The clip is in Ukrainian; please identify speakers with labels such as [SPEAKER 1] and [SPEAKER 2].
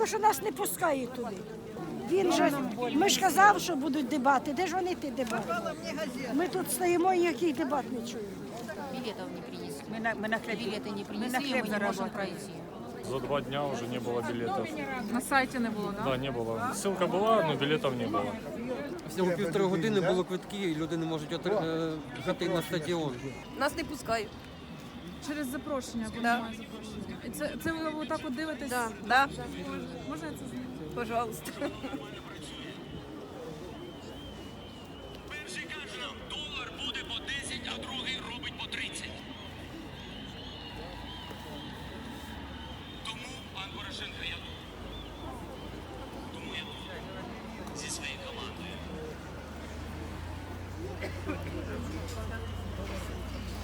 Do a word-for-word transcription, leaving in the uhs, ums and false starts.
[SPEAKER 1] що нас не пускають туди. Він же, ми ж казав, що будуть дебати. Де ж вони ті дебати? Ми тут стоїмо і ніяких дебат не чуємо.
[SPEAKER 2] Билетов не принесли.
[SPEAKER 3] Мы на, мы на хлеб,
[SPEAKER 2] Билеты не
[SPEAKER 3] мы на
[SPEAKER 2] принесли,
[SPEAKER 3] хлеб
[SPEAKER 2] мы не можем
[SPEAKER 3] заработали.
[SPEAKER 2] пройти.
[SPEAKER 4] За два дня уже не было билетов.
[SPEAKER 5] На сайті не було, так?
[SPEAKER 4] Да, не было. Ссылка была, но билетов не было.
[SPEAKER 6] Всього півтори години було квитки, і люди не можуть отри- е, піти на стадіон.
[SPEAKER 7] Нас не пускають.
[SPEAKER 5] Через запрошення, бо
[SPEAKER 7] Да.
[SPEAKER 5] немає запрошення. І це, це ви отак от дивитесь?
[SPEAKER 7] Да, да,
[SPEAKER 5] Можна я це знаю?
[SPEAKER 7] пожалуйста.